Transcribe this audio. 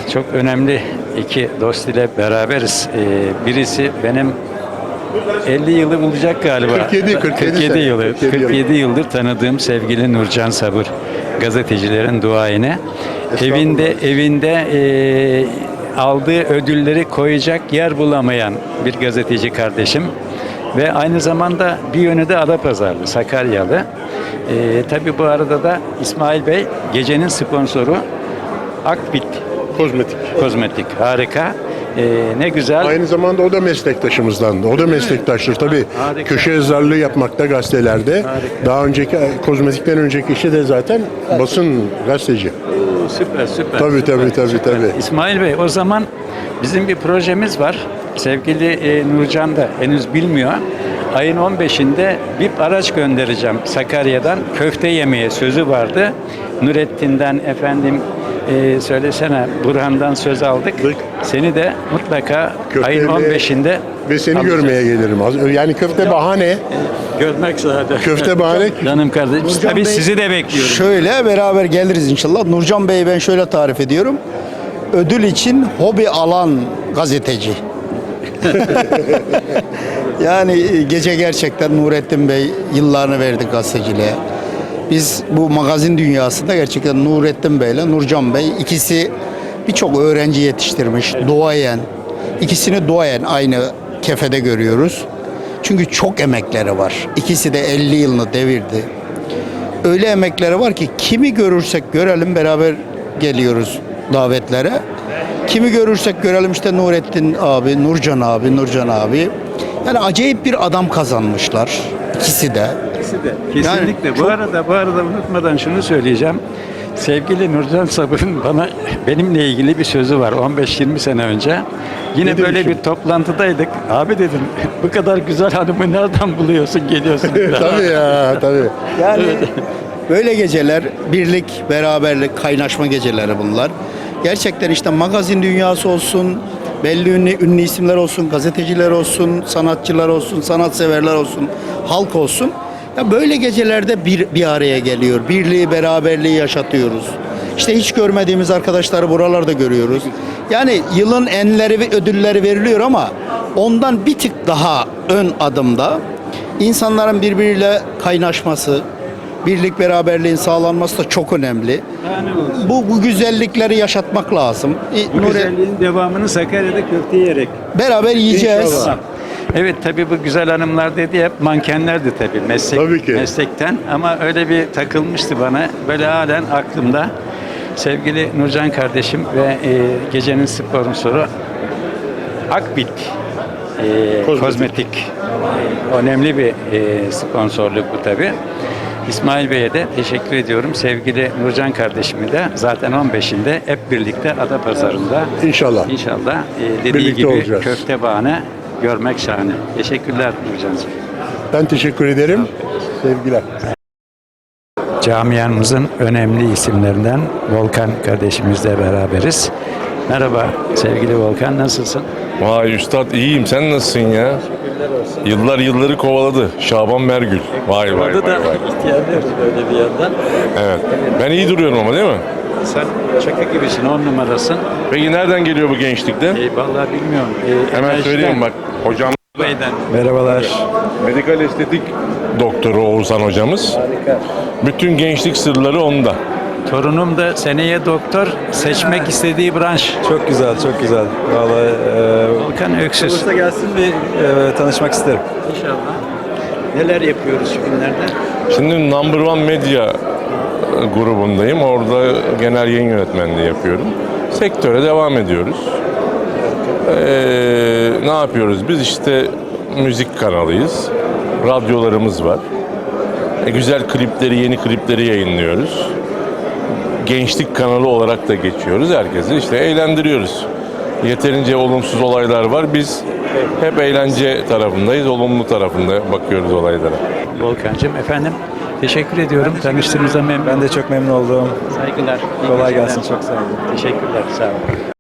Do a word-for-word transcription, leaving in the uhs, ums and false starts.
çok önemli iki dost ile beraberiz. Ee, birisi benim elli yılı bulacak galiba. kırk yedi, kırk yedi kırk yedi sene, yılı. kırk yedi kırk yedi yıldır tanıdığım sevgili Nurcan Sabır, gazetecilerin duayeni. Evinde evinde e, aldığı ödülleri koyacak yer bulamayan bir gazeteci kardeşim. Ve aynı zamanda bir yönü de Adapazarlı, Sakaryalı. Ee, tabii bu arada da İsmail Bey gecenin sponsoru Akbit Kozmetik. Kozmetik. Harika. Ee, ne güzel. Aynı zamanda o da meslektaşımızdan. O da meslektaştır tabii. Harika. Köşe yazarlığı yapmakta gazetelerde. Harika. Daha önceki kozmetikten önceki işi de zaten basın gazeteci. Oo, süper süper. Tabii, süper, tabii, tabii, süper. tabii. İsmail Bey, o zaman bizim bir projemiz var. Sevgili e, Nurcan da henüz bilmiyor. Ayın on beşinde bir araç göndereceğim Sakarya'dan. Köfte yemeye sözü vardı. Nurettin'den efendim e, söylesene Burhan'dan söz aldık. Seni de mutlaka Köfte ayın yemeye on beşinde Ve seni alacağız. görmeye gelirim. Az- Yani köfte bahane. Görmek zaten. Köfte bahane. Canım kardeşim. Nurcan Tabii Bey, sizi de bekliyorum. Şöyle beraber geliriz inşallah. Nurcan Bey'i ben şöyle tarif ediyorum. Ödül için hobi alan gazeteci. Yani gece gerçekten Nurettin Bey yıllarını verdi gazeteciliğe. Biz bu magazin dünyasında gerçekten Nurettin Bey ile Nurcan Bey ikisi birçok öğrenci yetiştirmiş. Duayen. İkisini duayen aynı kefede görüyoruz. Çünkü çok emekleri var. İkisi de elli yılını devirdi. Öyle emekleri var ki kimi görürsek görelim beraber geliyoruz davetlere. Kimi görürsek görelim işte Nurettin abi, Nurcan abi, Nurcan abi. Yani acayip bir adam kazanmışlar ikisi de. İkisi de. Kesinlikle. Yani bu çok- arada bu arada unutmadan şunu söyleyeceğim. Sevgili Nurcan Sabır'ın bana benimle ilgili bir sözü var on beş yirmi sene önce. Yine Ne böyle demişim? bir toplantıdaydık. Abi dedim bu kadar güzel hanımı nereden buluyorsun geliyorsun. Tabii ya, tabii. Yani böyle geceler birlik, beraberlik, kaynaşma geceleri bunlar. Gerçekten işte magazin dünyası olsun, belli ünlü, ünlü isimler olsun, gazeteciler olsun, sanatçılar olsun, sanatseverler olsun, halk olsun. Ya böyle gecelerde bir, bir araya geliyor. Birliği, beraberliği yaşatıyoruz. İşte hiç görmediğimiz arkadaşları buralarda görüyoruz. Yani yılın enleri ve ödülleri veriliyor ama ondan bir tık daha ön adımda insanların birbiriyle kaynaşması, birlik beraberliğin sağlanması da çok önemli. Bu, bu güzellikleri yaşatmak lazım. Bu Nuri- güzelliğin devamını Sakarya'da köfte yiyerek. Beraber yiyeceğiz. İnşallah. Evet tabii bu güzel hanımlar dedi hep mankenlerdi tabii meslek Tabii ki. meslekten ama öyle bir takılmıştı bana. Böyle halen aklımda sevgili Nurcan kardeşim ve e, gecenin sponsoru Akbit e, Kozmetik. Kozmetik. E, önemli bir e, sponsorluk bu tabii. İsmail Bey'e de teşekkür ediyorum. Sevgili Nurcan kardeşimi de zaten on beşinde hep birlikte Adapazarı'nda İnşallah. İnşallah e, dediği Birlikte gibi olacağız. köfte bahane görmek şahane. Teşekkürler Nurcan'cığım. Ben teşekkür ederim. Sevgiler. Camiamızın önemli isimlerinden Volkan kardeşimizle beraberiz. Merhaba sevgili Volkan, nasılsın? Vay üstad iyiyim, sen nasılsın ya? Yıllar yılları kovaladı Şaban Mergül. Vay vay vay Orada da vay. ihtiyarlıyoruz böyle bir yandan. Evet. Ben iyi duruyorum ama değil mi? Sen şaka gibisin, on numarasın. Peki nereden geliyor bu gençlikte? E, vallahi bilmiyorum. E, Hemen enerjiden, söyleyeyim bak. Hocam Bey'den. Merhabalar. medikal estetik doktoru Oğuzhan hocamız. Harika. Bütün gençlik sırları onda. Torunum da seneye doktor, seçmek istediği branş. Çok güzel, çok güzel. Vallahi e, Volkan Öksüz. Bursa gelsin bir e, tanışmak isterim. İnşallah. Neler yapıyoruz şu günlerde? Şimdi Number One Media grubundayım. Orada genel yayın yönetmenliği yapıyorum. Sektöre devam ediyoruz. Ee, ne yapıyoruz? Biz işte müzik kanalıyız. Radyolarımız var. E, güzel klipleri, yeni klipleri yayınlıyoruz. Gençlik kanalı olarak da geçiyoruz. Herkesi işte eğlendiriyoruz. Yeterince olumsuz olaylar var. Biz hep eğlence tarafındayız. Olumlu tarafında bakıyoruz olaylara. Volkan'cığım efendim teşekkür ediyorum. Tanıştığımıza memnun. Ben de çok memnun oldum. Saygılar. iyi Kolay geceler. gelsin, çok sağ olun. Teşekkürler. Sağ olun.